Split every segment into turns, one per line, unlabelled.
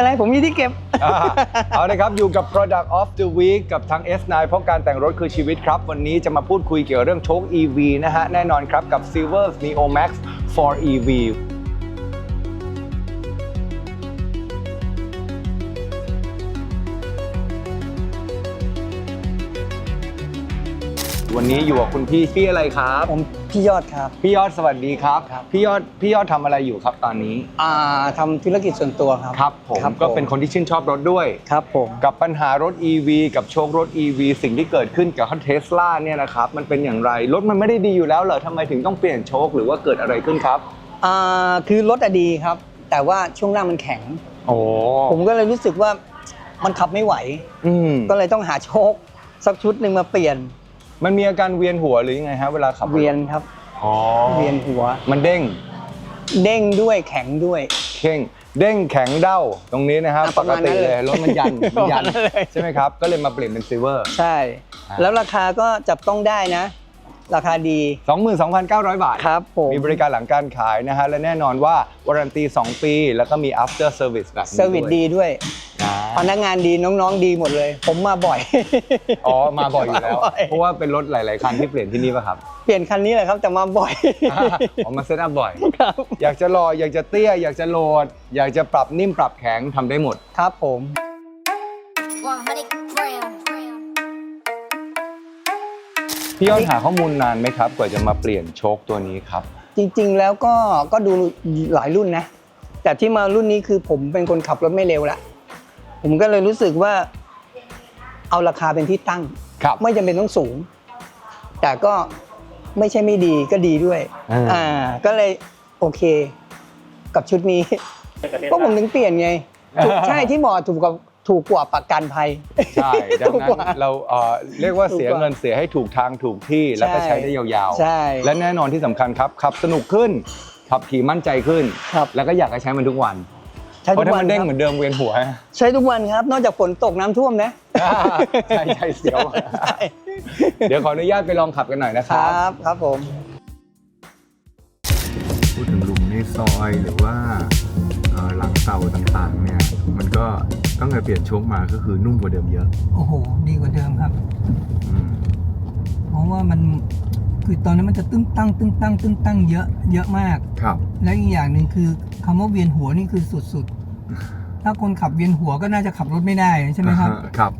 ไรผมมีที่เก็บ
เอาเลยครับอยู่กับ Product of the Week กับทาง S9 เพราะการแต่งรถคือชีวิตครับวันนี้จะมาพูดคุยเกี่ยวเรื่องโชค EV นะฮะแน่นอนครับกับ Silver Neo Max for EVวันนี้อยู่กับคุณพี่อะไรครับ
ผมพี่ยอดครับ
พี่ยอดสวัสดีครับพี่ยอดทำอะไรอยู่ครับตอนนี้
ทำธุรกิจส่วนตัวครับ
ครับผมก็เป็นคนที่ชื่นชอบรถด้วย
ครับผม
กับปัญหารถ EV กับโชครถ EV สิ่งที่เกิดขึ้นกับเทสลาเนี่ยนะครับมันเป็นอย่างไรรถมันไม่ได้ดีอยู่แล้วเหรอทำไมถึงต้องเปลี่ยนโชคหรือว่าเกิดอะไรขึ้นครับ
คือรถดีครับแต่ว่าช่วงล่างมันแข็ง
โอ้
ผมก็เลยรู้สึกว่ามันขับไม่ไหวก็เลยต้องหาโชคสักชุดหนึ่งมาเปลี่ยน
มันมีอาการเวียนหัวหรือยังไงฮะเวลาขับ
เวียนครับเวียนหัว
มันเด้ง
ด้วยแข็งด้วย
เด้งแข็งเด้าตรงนี้นะครับปกติเลยรถมันยันใช่ไหมครับก็เลยมาเปลี่ยนเป็นซิลเวอร์
ใช่แล้วราคาก็จับต้องได้นะราคาดี
22,900 บาท
ครับผม
มีบริการหลังการขายนะฮะและแน่นอนว่าวารันตี2 ปีแล้วก็มี after service แบบนี้
เซอร์วิสดีด้วยพนักงานดีน้องๆดีหมดเลยผมมาบ่อย
มาบ่อยอยู่แล้วเพราะว่าเป็นรถหลายๆคันที่เปลี่ยนที่นี่ป่ะครับ
เปลี่ยนคันนี้แหละครับแต่มาบ่อย
มาเซตอัพบ่อยอยากจะหล่ออยากจะเตี้ยอยากจะโหลดอยากจะปรับนิ่มปรับแข็งทำได้หมด
ครับผม
พี่ยอดหาข้อมูลนานไหมครับกว่าจะมาเปลี่ยนโชคตัวนี้ครับ
จริงๆแล้วก็ดูหลายรุ่นนะแต่ที่มารุ่นนี้คือผมเป็นคนขับรถไม่เร็วละผมก็เลยรู้สึกว่าเอาราคาเป็นที่ตั้งไม่จำเป็นต้องสูงแต่ก็ไม่ใช่ไม่ดีก็ดีด้วยก็เลยโอเคกับชุดนี้ก็ผมถึงเปลี่ยนไงใช่ที่บอกถูกกว่าประกันภัย
ใช่ดังนั้นเราเรียกว่าเสียเงินเสียให้ถูกทางถูกที่แล้วก็ใช้ได้ยาว
ๆใช่
และแน่นอนที่สำคัญครับขับสนุกขึ้นขับขี่มั่นใจขึ้นแล้วก็อยากให้ใช้มันทุกวันเพราะถ้ามันเด้งเหมือนเดิมเวียนหัว
ใช้ทุกวันครับนอกจากฝนตกน้ำท่วมนะ
ใช่เสียวเดี๋ยวขออนุญาตไปลองขับกันหน่อยนะครับ
ครับผม
พูดถึงหลุมในซอยหรือว่าหลังเตาต่างๆเนี่ยมันก็ตั้งแต่เปลี่ยนโชคมาก็คือนุ่มกว่าเดิมเยอะ
โอ้โหดีกว่าเดิมครับเพราะว่ามันคือตอนนั้นมันจะตึ้งตั้งเยอะมาก
ครับ
และอีกอย่างหนึ่งคือคำว่าเวียนหัวนี่คือสุดๆถ้าคนขับเวียนหัวก็น่าจะขับรถไม่ได้ใช่ไหมครับ
ครับ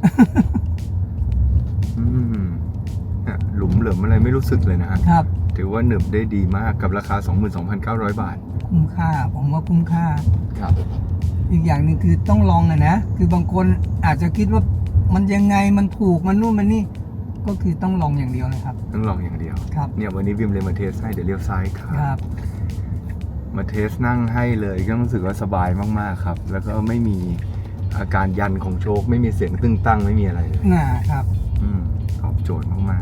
หลุมเหลิมอะไรไม่รู้สึกเลยนะครับถือว่าหนึบได้ดีมากกับราคา 22,900 บาท
คุ้มค่าผมว่าคุ้มค่า
ครับ
อีกอย่างหนึ่งคือต้องลองนะคือบางคนอาจจะคิดว่ามันยังไงมันถูกมันนู่นมันนี่ก็คือต้องลองอย่างเดียวเลยครับ
ต้องลองอย่างเดียว
ครับ
เนี่ยวันนี้วิมเลยมาเทสให้เดี๋ยวเลี้ยวซ้ายครับมาเทสนั่งให้เลยก็รู้สึกว่าสบายมากๆครับแล้วก็ไม่มีอาการยันของโชคไม่มีเสียงตึ้งตั้งไม่มีอะไรเลย
ครับ
ตอบโจทย์มาก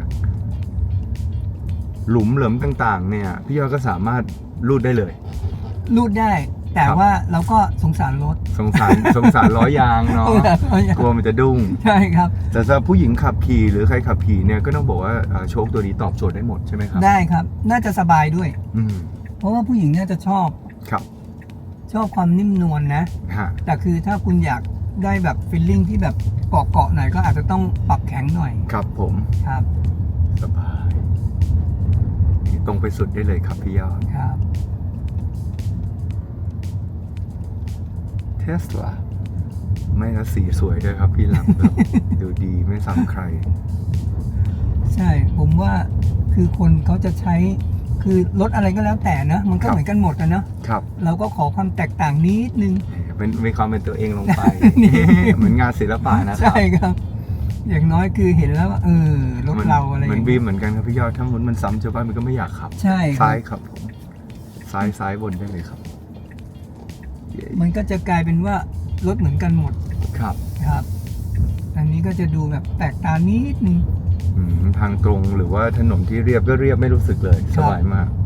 ๆหลุมเหลิมต่างๆเนี่ยพี่ยอดก็สามารถรูดได้เลย
รูดได้แต่ว่าเราก็สงสารรถ
สงสารล้อยางเนาะกลัวมันจะดุ้ง
ใช่ครับ
แต่สำหรับผู้หญิงขับขี่หรือใครขับขี่เนี่ยก็ต้องบอกว่าโชคตัวนี้ตอบโจทย์ได้หมดใช่ไหมครับ
ได้ครับน่าจะสบายด้วยเพราะว่าผู้หญิงน่าจะชอบความนิ่มนวลนะแต่คือถ้าคุณอยากได้แบบฟีลลิ่งที่แบบเกาะหน่อยก็อาจจะต้องปรับแข็งหน่อย
ครับผม
ครับ
สบายตรงไปสุดได้เลยครับพี่ยอด
ครับ
เทสลาไม่ละสีสวยด้วยครับพี่หลังแบบดูดีไม่ซ้ำใคร
ใช่ผมว่าคือคนเขาจะใช้คือรถอะไรก็แล้วแต่นะมันก็เหมือนกันหมดนะ
ครับ
เราก็ขอความแตกต่างนิดนึง
เป็นมีความเป็นตัวเองลงไปเหมือนงานศิลปะนะครับ
ใช่ครับอย่างน้อยคือเห็นแล้วว่ารถเราอะไร
เหมือนบีมเหมือนกันครับพี่ยอดถ้ามันซ้ำชาวบ้านมันก็ไม่อยากขับ
ใช่
ซ้ายครับผมซ้ายบนได้เลยครับ
มันก็จะกลายเป็นว่ารถเหมือนกันหมดครับอันนี้ก็จะดูแบบแตกต่างนิดนึง
ทางตรงหรือว่าถนนที่เรียบก็เรียบไม่รู้สึกเลยสบายมาก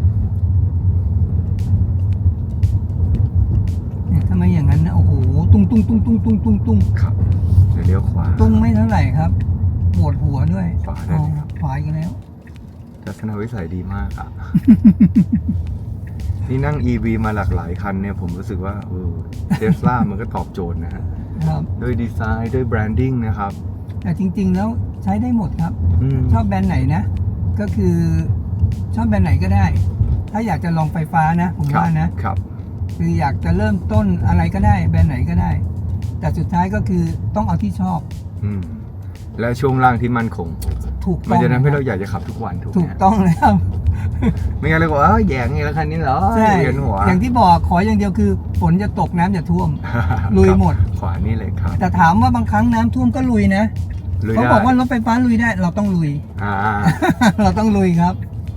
เนี่ยถ้าไม่อย่างนั้นนะโอ้โหตุ้ง
ครับเดี๋ยวเลี้ยวขวา
ตุ้งไม่เท่าไหร่ครับปวดหัวด้วย
ขวาได้
ขวาอีกแล้ว
ทัศนวิสัยดีมากนี่นั่ง EV มาหลากหลายคันเนี่ยผมรู้สึกว่าเทสลามันก็ตอบโจทย์นะฮะด้วยดีไซน์ด้วยแบรนดิ้งนะครับ
แต่จริงๆแล้วใช้ได้หมดครับชอบแบรนด์ไหนนะก็คือชอบแบรนด์ไหนก็ได้ถ้าอยากจะลองไฟฟ้านะผมว่านะครับคืออยากจะเริ่มต้นอะไรก็ได้แบรนด์ไหนก็ได้แต่สุดท้ายก็คือต้องเอาที่ชอบ
และช่วงล่างที่มั่นคง
ถูกต้อง
มันจะทำให้เราอยากจะขับทุกวัน
ถูกต้องเลยครับ
ไม่งั้นเลยบอกแย่งไงแล้วคันนี้เหรอ
ใช่อย่างที่บอกขออย่างเดียวคือฝนจะตกน้ำจะท่วมลุยหมด
ขวานี่เลยครับ
แต่ถามว่าบางครั้งน้ำท่วมก็ลุยนะเขาบอกว่ารถไฟฟ้าลุยได้เราต้องลุยเราต้องลุยครับ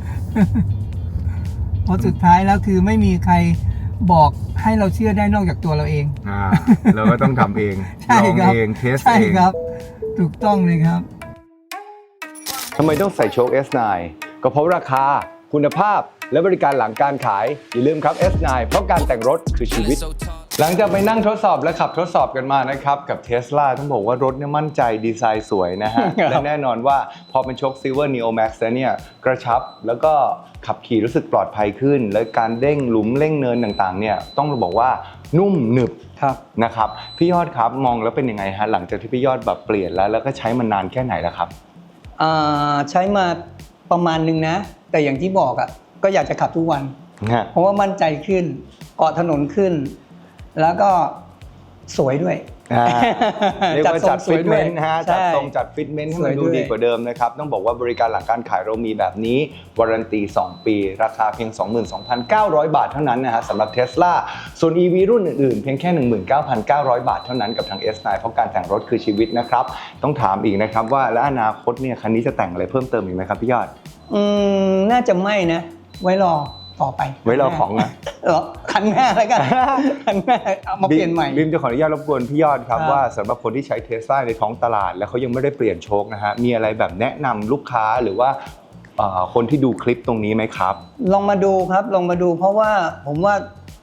เพราะสุดท้ายแล้วคือไม่มีใครบอกให้เราเชื่อได้นอกจากตัวเราเอง
เราก็ต้องทำเองลองเองเทสเอง
ใช่ครับถูกต้องเลยครับ
ทำไมต้องใส่โชค S9 ก็เพราะราคาคุณภาพและบริการหลังการขายอย่าลืมครับ S9 เพราะการแต่งรถคือชีวิตหลังจากไปนั่งทดสอบและขับทดสอบกันมานะครับกับ Tesla ต้องบอกว่ารถเนี่ยมั่นใจดีไซน์สวยนะฮะ และแน่นอนว่าพอเป็นโชค Silver Neo Max แล้วเนี่ยกระชับแล้วก็ขับขี่รู้สึกปลอดภัยขึ้นและการเร่งหลุมเร่งเนินต่างๆเนี่ยต้องบอกว่านุ่มหนึบนะครับพี่ยอดครับมองแล้วเป็นยังไงฮะหลังจากที่พี่ยอดแบบเปลี่ยนแล้วก็ใช้มานานแค่ไหนแล้วครับ
ใช้มาประมาณนึงนะแต่อย่างที่บอกก็อยากจะขับทุกวันเพราะว่ามั่นใจขึ้นเกาะถนนขึ้นแล้วก็สวยด้วย
เรียกว่าจัดฟิตเมนต์จัดทรงจัดฟิตเมนต์ให้มันดูดีกว่าเดิมนะครับต้องบอกว่าบริการหลังการขายเรามีแบบนี้วารันตี2 ปีราคาเพียง 22,900 บาทเท่านั้นนะฮะสำหรับ Tesla ส่วน EV รุ่นอื่นๆเพียงแค่ 19,900 บาทเท่านั้นกับทาง S9 เพราะการแต่งรถคือชีวิตนะครับต้องถามอีกนะครับว่าและอนาคตเนี่ยคันนี้จะแต่งอะไรเพิ่มเติมอีกไหมครับพี่ยอด
น่าจะไม่นะไว้รอต่อไป
ไว้รอของนะ
คันหน้าแล้วกันคันหน้าเอามาเปลี่ยนใหม่
บิมจะขออนุญาตรบกวนพี่ยอดครับว่าสำหรับคนที่ใช้ Tesla ในท้องตลาดแล้วเขายังไม่ได้เปลี่ยนโชคนะฮะมีอะไรแบบแนะนำลูกค้าหรือว่าคนที่ดูคลิปตรงนี้ไหมครับ
ลองมาดูครับลองมาดูเพราะว่าผมว่า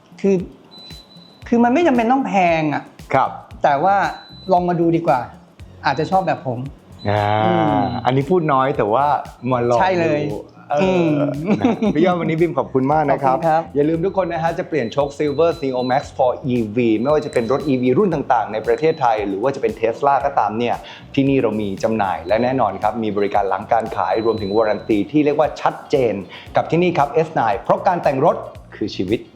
คือมันไม่จำเป็นต้องแพง
ครับ
แต่ว่าลองมาดูดีกว่าอาจจะชอบแบบผม
อันนี้พูดน้อยแต่ว่ามาลอง
ใช่เลย
พี่ยอดวันนี้บิมขอบคุณมากนะครับอย่าลืมทุกคนนะฮะจะเปลี่ยนโชค Silver Neo Max for EV ไม่ว่าจะเป็นรถ EV รุ่นต่างๆในประเทศไทยหรือว่าจะเป็น Tesla ก็ตามเนี่ยที่นี่เรามีจำหน่ายและแน่นอนครับมีบริการหลังการขายรวมถึงวารันตีที่เรียกว่าชัดเจนกับที่นี่ครับ S9 เพราะการแต่งรถคือชีวิต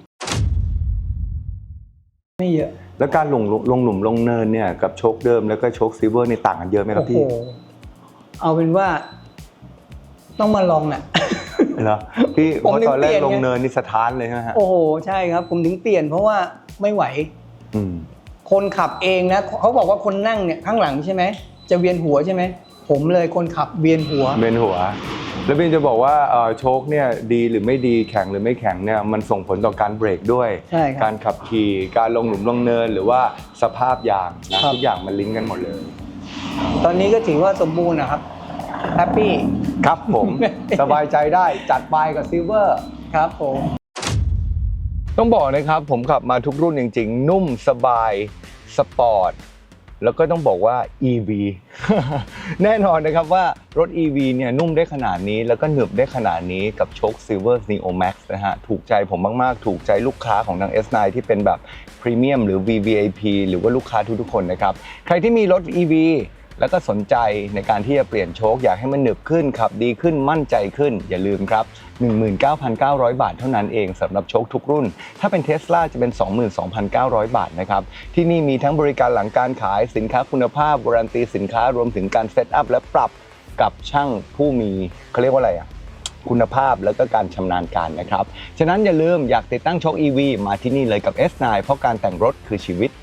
ไม่เยอะ
แล้วการลงหลุมลงเนินเนี่ยกับโชคเดิมแล้วก็โชค Silver นี่ต่างกันเยอะไหมครับพี่
เอาเป็นว่าต้องมาลองน่ะ
เหรอพี่เพราะตอนแรกลงเนินนี่สะท้านเลยใช่ไหมฮะ
โอ้โหใช่ครับผมถึงเปลี่ยนเพราะว่าไม่ไหวคนขับเองนะเขาบอกว่าคนนั่งเนี่ยข้างหลังใช่ไหมจะเวียนหัวใช่ไหมผมเลยคนขับเวียนหัว
แล้วพี่จะบอกว่าโชคเนี่ยดีหรือไม่ดีแข็งหรือไม่แข็งเนี่ยมันส่งผลต่อการเบรกด้วยการขับขี่การลงหลุมลงเนินหรือว่าสภาพยางนะทุกอย่างมันลิงก์กันหมดเลย
ตอนนี้ก็ถือว่าสมบูรณ์นะครับแฮปปี้
ครับผมสบายใจได้จัดไปกับซิลเวอร์
ครับผม
ต้องบอกนะครับผมขับมาทุกรุ่นจริงๆนุ่มสบายสปอร์ตแล้วก็ต้องบอกว่า EV แน่นอนนะครับว่ารถ EV เนี่ยนุ่มได้ขนาดนี้แล้วก็หนึบได้ขนาดนี้กับโชค Silver Neo Max นะฮะถูกใจผมมากๆถูกใจลูกค้าของทาง S9 ที่เป็นแบบพรีเมียมหรือ VVIP หรือว่าลูกค้าทุกๆคนนะครับใครที่มีรถ EVแล้วก็สนใจในการที่จะเปลี่ยนโชคอยากให้มันหนึบขึ้นขับดีขึ้นมั่นใจขึ้นอย่าลืมครับ 19,900 บาทเท่านั้นเองสำหรับโชคทุกรุ่นถ้าเป็น Tesla จะเป็น 22,900 บาทนะครับที่นี่มีทั้งบริการหลังการขายสินค้าคุณภาพวารันตีสินค้ารวมถึงการเซตอัพและปรับกับช่างผู้มีเขาเรียกว่าอะไรคุณภาพแล้วก็การชำนาญการนะครับฉะนั้นอย่าลืมอยากติดตั้งโชค EV มาที่นี่เลยกับ S9 เพราะการแต่งรถคือชีวิต